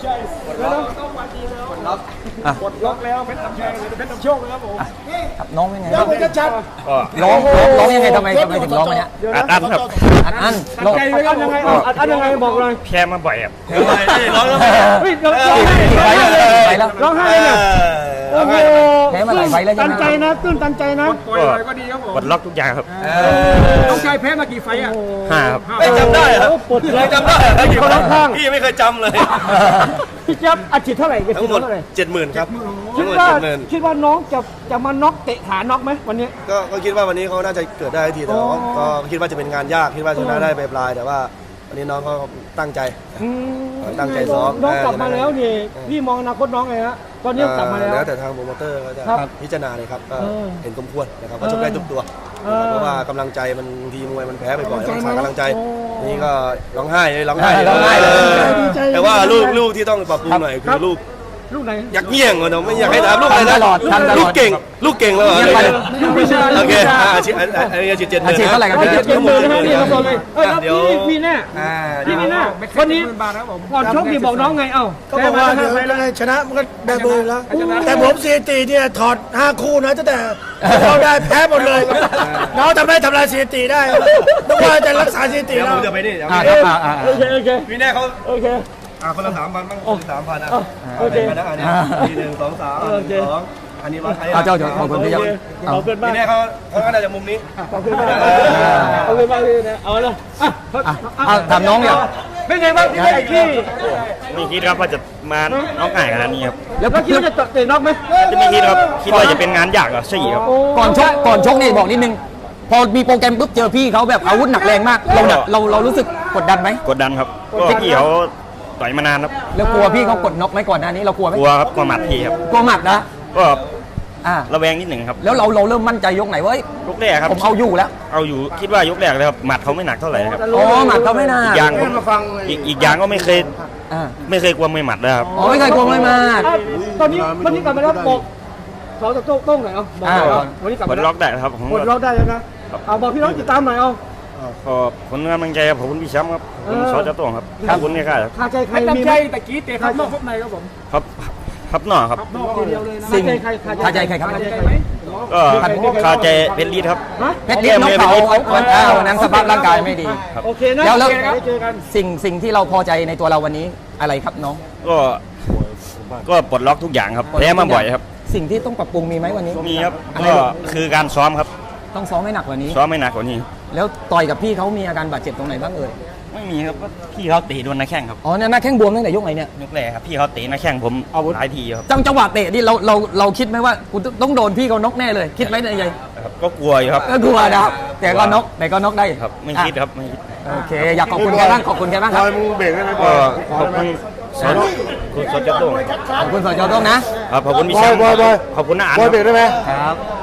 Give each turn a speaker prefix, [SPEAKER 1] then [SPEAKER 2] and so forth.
[SPEAKER 1] กดล็อกแล้วเพชรนำชัยเพชรนำโชคเลยครับผม
[SPEAKER 2] ครับน้องเป็นไง
[SPEAKER 1] เดี๋ยวชัด
[SPEAKER 2] ร้องยังไงทำไมถึงร้องมาเนี้ย
[SPEAKER 3] อัดครับ
[SPEAKER 2] อัน
[SPEAKER 1] ๆตั้งใจไปอันยังไงอันยังไงบอกเลย
[SPEAKER 3] แพ้มาบ่อยครับ
[SPEAKER 1] ร้องแล้วเฮ้ยร้องไห้เลยร้องไห้เลยเนี่ยโอ้โห
[SPEAKER 2] แพ้มาหลายไฟแล้ว
[SPEAKER 1] ตั
[SPEAKER 2] ใช่
[SPEAKER 1] น
[SPEAKER 2] ไหม
[SPEAKER 1] ใจนะตื้นตันใจนะปล่อยก็ดีครับผม
[SPEAKER 3] ปลดล็อกทุกอย่างครับ
[SPEAKER 1] น้องชายแพ้มากี่ไฟอ่ะ
[SPEAKER 3] 5 ครับ
[SPEAKER 4] ไม่จำได้เหรอ
[SPEAKER 1] ปวดเลย
[SPEAKER 4] จำได้เหรอ
[SPEAKER 1] คนข้าง
[SPEAKER 4] พี่ไม่เคยจำเลย
[SPEAKER 1] พี่เจี๊ยบอัดฉีดเท่าไหร่
[SPEAKER 4] ทั้งหมด 70,000 ครับ
[SPEAKER 1] คิ
[SPEAKER 4] ทั้
[SPEAKER 1] ด
[SPEAKER 4] งหมด
[SPEAKER 1] ว่า
[SPEAKER 4] 70,000
[SPEAKER 1] คิดว่าน้องจะมาน็อกเตะขาน็อกไหมวันนี้
[SPEAKER 4] ก็คิดว่าวันนี้เขาน่าจะเกิดได้ทีแต่ว่าก็คิดว่าจะเป็นงานยากคิดว่าชนะได้ปลายๆแต่ว่าวันนี้น้องเขาตั้งใจ ตั้งใจซ้อม
[SPEAKER 1] น้องกลับมาแล้วนี่พี่มองอนาคตน้องไงฮะตอนนี้กลับมาแล้ว
[SPEAKER 4] แล้วแต่ทางโปรโมเตอร์เขาจะ
[SPEAKER 1] ครับ
[SPEAKER 4] พิจารณาเลยครับก็ เห็นสมควรนะครับว่า
[SPEAKER 1] เออ
[SPEAKER 4] ชกได้ทุกตัว
[SPEAKER 1] เออ
[SPEAKER 4] เพราะว่ากำลังใจมันบางทีมวยมันแพ้บ่อยๆต้องขาดกำลังใจ
[SPEAKER 1] โอ้
[SPEAKER 4] นี่ก็ร้องไห้เลยร้องไห้
[SPEAKER 2] ร้องไห้เลย
[SPEAKER 1] ดีใจ
[SPEAKER 4] แต่ว่าลูกที่ต้องปรับปรุงหน่อยคือลูก
[SPEAKER 1] ลูกไหน
[SPEAKER 4] อยากเงี้ยงเนาะไม่อยากให้ถามลูกอะไรนะ
[SPEAKER 2] ทำตลอดทำตลอด
[SPEAKER 4] ลูกเก่งแล้วเหรอ
[SPEAKER 2] เยี่ยมไปเลย
[SPEAKER 1] ลูกวิชา
[SPEAKER 4] โอเค
[SPEAKER 1] ลูกวิชา
[SPEAKER 4] อาชีพอันนี้อาชีพ70,000
[SPEAKER 2] อาชีพเท่าไหร่ครับ
[SPEAKER 1] เจ็ดหมื่นนะฮะนี่ครับผมเลยแล้ว
[SPEAKER 4] เดี๋ยว
[SPEAKER 1] พี่แน่ พี่มีหน้าวันนี้ก่อนชกนี่บอกน้องไงเอ้า
[SPEAKER 5] ก็บอกว่าเดี๋ยวยังไงชนะมันก็ได้เบอร์แล้ว แต่ผมสถิติเนี่ยถอด 5 คู่นะตั้งแต่เราได้แพ้หมดเลย น้องทำลายสถิติได้นึกว่าจะรักษาสถิติ
[SPEAKER 4] เดี๋ยว
[SPEAKER 5] เรา
[SPEAKER 4] ผมจะไปนี่
[SPEAKER 2] อ่า
[SPEAKER 1] โอเคโอเค
[SPEAKER 4] พี่แน่เขา
[SPEAKER 1] โอเค
[SPEAKER 4] คนละ3,000บ้าง3,000อ่ะ
[SPEAKER 1] โอเค
[SPEAKER 4] ไปนะอันนี้ที1 2 3
[SPEAKER 1] โอเค
[SPEAKER 4] 2อันนี้วัดใคร
[SPEAKER 2] เอาเจ้าขอบคุณพี่ยักษ์
[SPEAKER 1] ขอบคุณมาก
[SPEAKER 4] พี่แน่เขาก็น่าจะมุมนี้
[SPEAKER 1] ขอบคุณมากขอบคุณมากพี่นะเอาละ
[SPEAKER 2] ถามน้องเนี่ย
[SPEAKER 1] เป็นไงบ้างพี่พี่
[SPEAKER 3] ไม่คิดครับว่าจะมาน้องง่ายขนาดนี้ครับ
[SPEAKER 1] แล้วคิดว่าจะเตะน็อกไหม
[SPEAKER 3] จะไม่คิดครับคิดว่าจะเป็นงานยากเหรอใช่ครับ
[SPEAKER 2] ก่อนชกนี่บอกนิดนึงพอมีโปรแกรมปุ๊บเจอพี่เขาแบบอาวุธหนักแรงมากเรารู้สึกกดดันไหม
[SPEAKER 3] กดดันครับก็พี่เขาต่อยมานานครับ
[SPEAKER 2] แล้วกลัวพี่เขากดน็อกไหมก่อนหน้านี้เรากลัวไหม
[SPEAKER 3] กลัวครับกลัวหมัดพี่ครับ
[SPEAKER 2] กลัวหมัดนะ
[SPEAKER 3] ก็
[SPEAKER 2] อ่า
[SPEAKER 3] ระแวงนิดหนึ่งครับ
[SPEAKER 2] แล้วเราเริ่มมั่นใจยกไหนเว้ย
[SPEAKER 3] ยกแรกครับ
[SPEAKER 2] ผมเอาอยู่แล้ว
[SPEAKER 3] เอาอยู่คิดว่ายกแรกเลยครับหมัดเขาไม่หนักเท่าไหร่ครับ
[SPEAKER 2] อ๋อหมัดเขาไม่น่า
[SPEAKER 3] อีกอย่างผมอีกอย่างก็ไม่เคย
[SPEAKER 2] อ่า
[SPEAKER 3] กลัวไม่หมัดเลยครับ
[SPEAKER 2] อ๋อไม่เคยกลัวไม่มา
[SPEAKER 1] ตอนนี้วันนี้กลับมาแล้วบอกเขาจะโต้งหน่อยเอาบอกหน่อยเอาวันนี้กลับ
[SPEAKER 3] ปล
[SPEAKER 1] มา
[SPEAKER 3] ด
[SPEAKER 1] แล้ว
[SPEAKER 3] ล็อกได้ครับผม
[SPEAKER 1] ปลดล็อกได้แล้วนะเอาบอกพี่น้องติดตามหน่อยเอา
[SPEAKER 3] ก็ผลงานกำลังใจครับขอบคุณพี่แชมป์ครับผมสอจะต้องครับขอบคุณเนี่ยครับ
[SPEAKER 1] คาใจใครมีใจตะกี้เตะครับนอกพบในครับผม
[SPEAKER 3] ครับนอกครับ
[SPEAKER 1] นอกทีเดียวเลยนะ
[SPEAKER 2] สิ่ง
[SPEAKER 1] คาใจใคร
[SPEAKER 2] คาใจใครครับ
[SPEAKER 1] คาใจใครไหม
[SPEAKER 3] ก็คาใจเป็นลีดครับ
[SPEAKER 1] ฮะ
[SPEAKER 2] เพชรลิศนกเขาวันนั้นสภาพร่างกายไม่ดี
[SPEAKER 1] โอเคนะ
[SPEAKER 2] แล้ว
[SPEAKER 1] ได้เจอกัน
[SPEAKER 2] สิ่งที่เราพอใจในตัวเราวันนี้อะไรครับน้อง
[SPEAKER 3] ก็ปลดล็อกทุกอย่างครับแพ้มาบ่อยครับ
[SPEAKER 2] สิ่งที่ต้องปรับปรุงมีไหมวันนี้
[SPEAKER 3] มีครับ
[SPEAKER 2] อะไร
[SPEAKER 3] ก็คือการซ้อมครับ
[SPEAKER 2] ต้องซ้อมให้หนักกว่านี้
[SPEAKER 3] ซ้อมไม่หนักกว่านี้
[SPEAKER 2] แล้วต่อยกับพี่เขามีอาการบาดเจ็บตรงไหนบ้างเอ่ย
[SPEAKER 3] ไม่มีครับก็พี่เขาเตะโดนหน้าแข้งครับ
[SPEAKER 2] อ๋อเนี่ยหน้าแข้งบวมตั้งแต่ยกไหนเนี่ย
[SPEAKER 3] ยกแรกครับพี่เขาเตะหน้าแข้งผมหลายทีครับ
[SPEAKER 2] จังหวะเตะนี่เราคิดไหมว่ากูต้องโดนพี่เขาน็อกแน่เลยคิดไหมในใจ
[SPEAKER 3] ครับก็กลัวอยู่ครับ
[SPEAKER 2] ก็กลัวนะครับแต่ก็น็อกได้
[SPEAKER 3] ครับไม่คิดครับไม่คิด
[SPEAKER 2] โอเคอยากขอบคุณแกบ้างขอบคุณแกบ้างครับ
[SPEAKER 3] ก็ขอบคุณคุณสดจะต้อง
[SPEAKER 2] ขอบคุณสจโต้งนะครับ
[SPEAKER 3] ขอบคุณพี่แชมป์ขอบคุณน้าอัน
[SPEAKER 5] บอยเบรกได้ไหม
[SPEAKER 2] ครับ